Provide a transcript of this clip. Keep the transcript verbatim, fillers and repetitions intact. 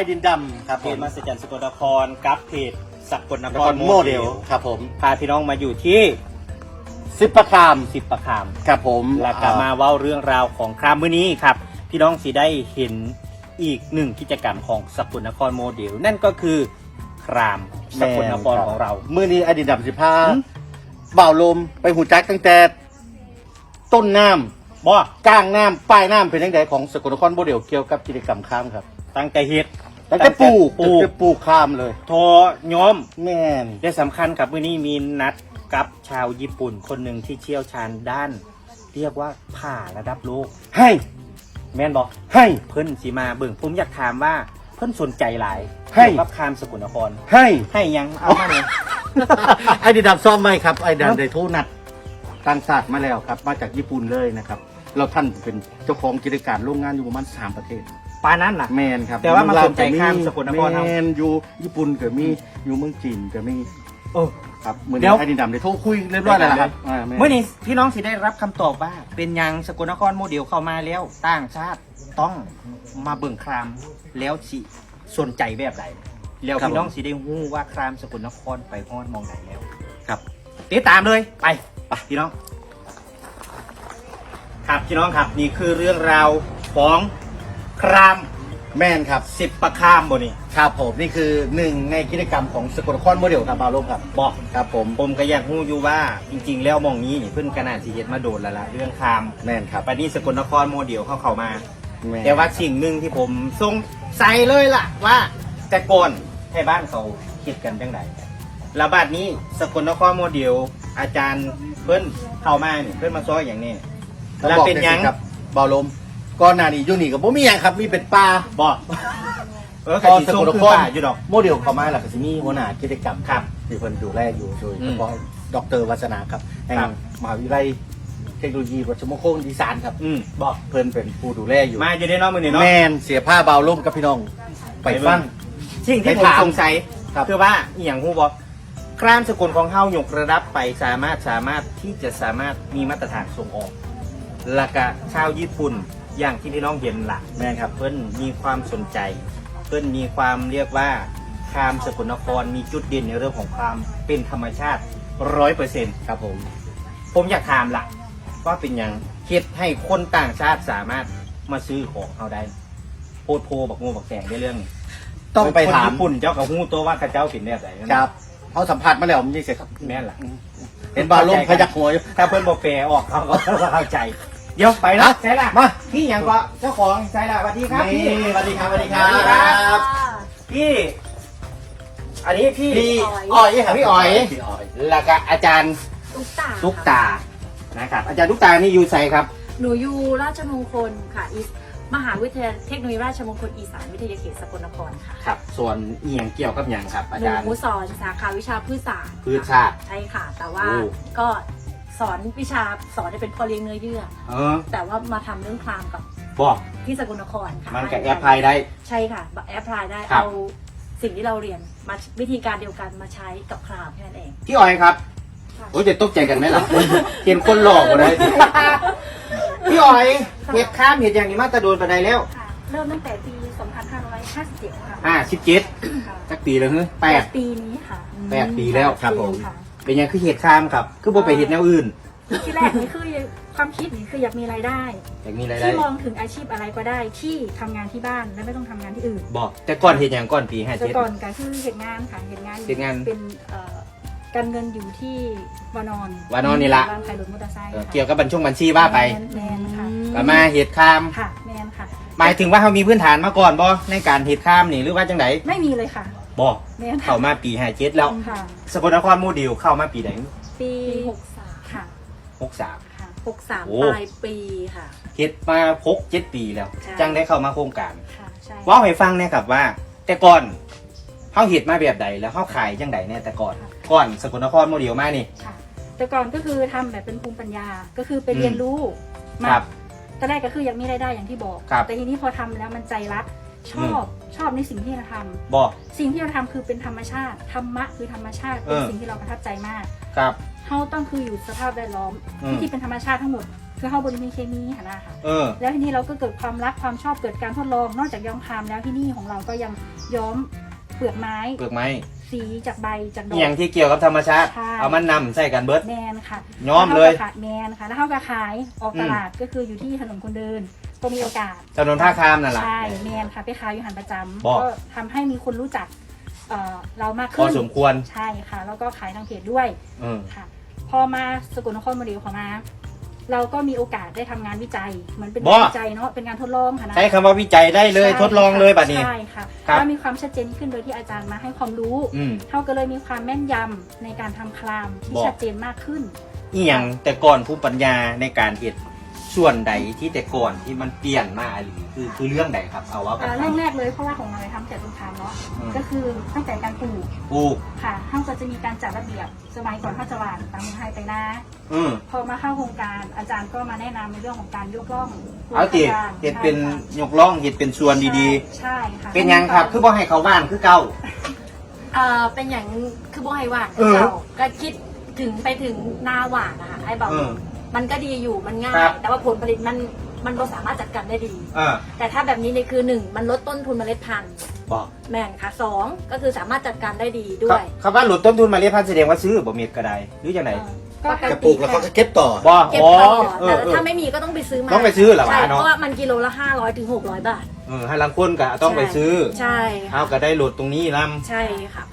ดินดำครับเพจมหัศจรรย์สกลนครกับเพจสกลนนคครรโมโมเดเดลลครับผมพาพี่น้องมาอยู่ที่สิบประคามสิบประคามครับผมแล้วก็มาเว้าเรื่องราวของครามมื้อนี้ครับ พี่น้องสิได้เห็นอีกหนึ่งกิจกรรมของสกลนครโมเดล นั่นก็คือครามสกลนครของเรามื้อนี้ไอ้ดินดำสิพาหืมบ่าวลมไปหูจักตั้งแต่ต้นน้ำบ่กลางน้ำปลายน้ำเป็นยังไงของสกลนครโมเดลเกี่ยวกับกิจกรรมข้ามครับตั้งแต่เฮ็ดตั้งแต่ปลูกปลูกตั้งแต่ปลูกข้ามเลยทอย้อมแม่นและสำคัญครับมื้อนี้มีนัดกับชาวญี่ปุ่นคนหนึ่งที่เชี่ยวชาญด้าน เรียกว่าผ่าระดับโลกให้แม่นบอกให้เพิ่นสีมาเบิ่งผมอยากถามว่าเพิ่นสนใจหลายให้เกี่ยวกับคามสกลนครให้ให้ยังเอามาเลยไอ้ดินดำซ่อมไหมครับไอ้ดันได้โทรนัดต่างชาติมาแล้วครับ มาจากญี่ปุ่นเลยนะครับเราท่านเป็นเจ้าของกิจการโรงงานอยู่ประมาณสามประเทศปานั้นน่ะแมนครับแต่ว่ามาเมืองลสนใจข้ามสกลนครแมเฮานอยู่ญี่ปุ่นก็มีอยู่เมืองจีนก็มีเออครับเหมือนเดี๋ยวไอ้ดินดำได้โทรคุยเรียบร้อยแล้วนะครับาแเมื่อนี้พี่น้องสิได้รับคำตอบว่า เป็นยังสกลนครโมเดลเข้ามาแล้วต่างชาติต้องมาเบิ่งครามแล้วสิสนใจแบบใดแล้วพี่น้องสิได้ฮู้ว่าครามสกลนครไปฮอดมองไหนแล้วครับติดตามเลยไปไปพี่น้อง ครับพี่น้องครับนี่คือเรื่องราวของครามแม่นครับสิบประคามบ่นี่ครับผมนี่คือหนึ่งในกิจกรรมของสกลนครโมเดลครับบาวโลมครับบอกครับผมผมก็อยากรู้อยู่ว่าจริง ๆ แล้วหมองนี้นี่เพิ่นกระนาดสิเฮ็ดมาโดนแล้วล่ะเรื่องครามแม่นครับปันนี้สกลนครโมเดลเข้าเข้ามาม่นแต่ว่าสิ่งหนึ่งที่ผมสงสัยเลยล่ะว่าแต่ก่อนให้บ้านเขาคิดกันจังไดแล้วบัดนี้สกลนครโมเดลอาจารย์เพิ่นเข้ามานี่เพิ่นมาซอยอย่างนี้ต้องแล้วบอกเป็นหยังจังซี่ครับบาวโลมก่อนหน้านี้อยู่นี่ก็บ่มีหยังครับมีเป็นป่าบอกเออพกะอสิสส่งกลนคือครป่าอยู่ดอกโมเดลเข้ามาแล้วก็สิมีหัวหน้ากิจกรรมครับที่เพิ่นดูแลอยู่โดยอืเฉมพาะดรวัฒนาครับแห่งครับมหาวิทยาลัยเทคโนโลยีวัชมงคลอีสานครับอืมบอกเพิ่นเป็นผู้ดูแลอยู่มาอยู่ในน้องมือนี่เนาะแม่นเสียผ้าบาวโลมกับพี่น้องไปฟังสิ่งที่ไปผมถามสงสัยครับคือว่าอหย่างฮู้บอกครามสกลของเฮายกระดับไปสามารถสามารถที่จะสามารถมีมาตรฐานส่งออกและก็ชาวญี่ปุ่นอย่างที่พี่น้องเห็นล่ะแม่นครับเพิ่นมีความสนใจ เพิ่นมีความเรียกว่าครามสกลนครมีจุดเด่นในเรื่องของความเป็นธรรมชาติร้อยเปอร์เซ็นต์ครับผมผมอยากถามล่ะว่าเป็นหยังเฮ็ดให้คนต่างชาติสามารถมาซื้อของเขาได้โพดโพบักงูบักแสงในเรื่องนี้ต้องไปถามคนญี่ปุ่นเจ้ากับฮู้ตัวว่าข้าเจ้าเป็นแบบไหนนั่นครับเขาสัมผัสมาแล้วมันยังเสียครับแม่นล่ะเห็นบาวโลมพยักหัวอยู่ถ้าเพิ่นบ่แปลออกเขาก็เข้าใจ เดี๋ยวไปนะอ่ะใช่ล่ะมาพี่หยังก็เจ้าของใช่ล่ะสวัสดีครับพี่นี่สวัสดีครับสวัสดีครัสวัสดีครับบพี่ อันนี้พี่พี่อ๋อยค่ะพี่อ๋อยพี่อ๋อยแล้วก็อาจารย์ตุ๊กตาตุ๊กตานะครับ อาจารย์ตุ๊กตานี่อยู่ไสครับหนูอยู่ราชมงคลค่ะอีสมหาวิทยาลัยเทคโนโลยีราชมงคลอีสานวิทยาเขตสกลนครค่ะครับ ส่วนอีหยังเกี่ยวกับหยังครับ อาหนูจารย์สอนสาขาวิชาพืชศาสตร์พืชศาสตร์ใช่ค่ะ แต่ว่าโอ้ก็สอนวิชาสอนให้เป็นพ่อเลี้ยงเนื้อเยื่อเออแต่ว่ามาทำเรื่องคลามกับบอกที่สกลนครค่ะมันกับแอปพลายได้ใช่ค่ะแอปพลายได้ครับเอาสิ่งที่เราเรียนมาวิธีการเดียวกันมาใช้กับคลามแค่นั้นเองพี่อ๋อยครับค่ะโอ้ยจะตกใจกันไหมล่ะ เห็นคนหลอกหมดเลย พี่อ๋อยเห็ดข้ามเห็ดอย่างนี้มาแตะโดนไปได้แล้วค่ะเริ่มตั้งแต่ปี สองพันห้าร้อยห้าสิบเจ็ด ค่ะอ่าสิบเจ็ดค่ะสักปีแล้วเฮ้ยแปดปีนี้ค่ะแปดปีแล้วครับผมค่ะเป็นยังคือเห็ดข้ามครับ คือบ่ไปเห็ดแนวอื่นที่แรกนี่คือความคิดนี่คืออยากมีรายได้อยากมีรายได้ที่มองถึงอาชีพอะไรก็ได้ที่ทำงานที่บ้านและไม่ต้องทำงานที่อื่นบอก แต่ก่อนเห็ดอย่างก่อนปีห้าแต่เจ็ดก่อนก็คือเหตุงานค่ะเหตุงานเฮ็ดงานเป็นเอ่อการเงินอยู่ที่วานอนวานอนนี่ละร้านขายรถมอเตอร์ไซค์เออค่ะเกี่ยวกับบัญชงบัญชีว่าไปแมนแมนค่ะก็มาเห็ดข้ามค่ะแมนค่ะหมายถึงว่าเขามีพื้นฐานมาก่อนบ่ในการเห็ดข้ามนี่หรือว่าจังไดไม่มีเลยค่ะบอกแมนเข้ามาปีห้าเจ็ดแล้วค่ะสกลนครโมเดลเข้ามาปีไหนปีหกสามค่ะหกสามค่ะหกสามโอ้ปลายปีค่ะเฮ็ดมาหกเจ็ดปีแล้วใช่จังได้เข้ามาโครงการค่ะใช่เว่าให้ฟังเนี่ยครับว่า แต่ก่อนเขาเห็ดมาแบบใดแล้วเขาขายจังใดเนี่ยแต่ก่อน ก่อนสกลนครโมเดลมานี่ค่ะ แต่ก่อนก็คือทำแบบเป็นภูมิปัญญาก็คือไปเรียนรู้มาครับตอนแรกก็คือยังมีรายได้อย่างที่บอกครับแต่ทีนี้พอทำแล้วมันใจรักชอบชอบในสิ่งที่เราทำบอกสิ่งที่เราทำคือเป็นธรรมชาติธรรมะคือธรรมชาติเป็นเออสิ่งที่เราประทับใจมากครับเขาต้องคืออยู่สภาพแวดล้อมอืมที่เป็นธรรมชาติทั้งหมด คือคือเขาบริมีเคมีค่ะนะคะเออแล้วทีนี้เราก็เกิดความรักความชอบเกิดการทดลองนอกจากย้อมครามแล้วที่นี่ของเราก็ยังย้อมเปลือกไม้เปลือกไม้สีจากใบจากดออหย่างกที่เกี่ยวกับธรรมชาติใช่เอามันนำใส่กันเบิดแมนค่ะย้อมเลยแวขาก็ขแมนค่ะแล้วเขาก็ขายออกตลาดก็คืออยู่ที่ถนนคนเดินก็มีโอกาสถนนท่าข้ามนั่นแหละใช่แมนค่ะไปขายอยู่หันประจบอกำก็ทำให้มีคนรู้จักเอ่อเรามากพขึ้อน สมควรใช่ค่ะ แล้วก็ขายทางเพจด้วยเออค่ะ พอมาสกลนครโมเดลของมา เราก็มีโอกาสได้ทำงานวิจัยเหมือนเป็นบ่งานวิจัยเนาะเป็นงานทดลองค่ะนะใช้คำว่าวิจัยได้เลยใช่ทดลองเลยบัดนี้ใช่ค่ะครับก็มีความชัดเจนขึ้นโดยที่อาจารย์มาให้ความรู้อืมเท่าก็เลยมีความแม่นยำในการทำคลามที่บอกชัดเจนมากขึ้นอีหยังแต่ก่อนภูมิปัญญาในการเฮ็ดส่วนใดที่แต่ก่อนที่มันเปลี่ยนมาอะไรคือคือเรื่องใดครับ เอาว่าอ่าเรื่องแรกเลยเพราะว่าของเราทำแต่ต้นทางเนาะอืมก็คือตั้งแต่การปลูกปลูกค่ะเขาก็จะมีการจัดระเบียบสมัยก่อนเขาจะหวานตามมือให้ไปนะอืมพอมาเข้าโครงการอาจารย์ก็มาแนะนำในเรื่องของการยกล่องเอาติเฮ็ดเป็นยกล่องเฮ็ดเป็นส่วนดีๆใช่ค่ะๆ เป็นหยังครับ คือบ่ให้เขาบ้านคือเก่าเอ่อเป็นอย่างคือบ่ให้หวานเออเจ้าก็คิดถึงไปถึงนาหวานนะคะไอ้บอกเออมันก็ดีอยู่มันง่าครัยบแต่ว่าผลผลิตมันมันบ่สามารถจัดการได้ดีอ่าแต่ถ้าแบบนี้เนี่ยคือหนึ่งมันลดต้นทุนเมล็ดพันธุ์บอกแม่นค่ะสองก็คือสามารถจัดการได้ดีด้วยคำว่าหลุดต้นทุนมาเรียกพันแสดงว่าซื้อบ่เม็ดก็ได้หรือจังไดก็ปกจะติปลูกแล้วเขาก็เก็บต่อบ่เก็บอ๋อต่อเอแต่อเออถ้าไม่มีก็ต้องไปซื้อมาต้องไปซื้อเหรอวะใช่เนาะเพราะว่ามันกิโลละห้าร้อยถึงหกร้อยบาทเออให้ลังคนก็ต้องไปซื้อใช่ค่ะเอาก็ได้หลุดตรงนี้ลำใช่ค่ะ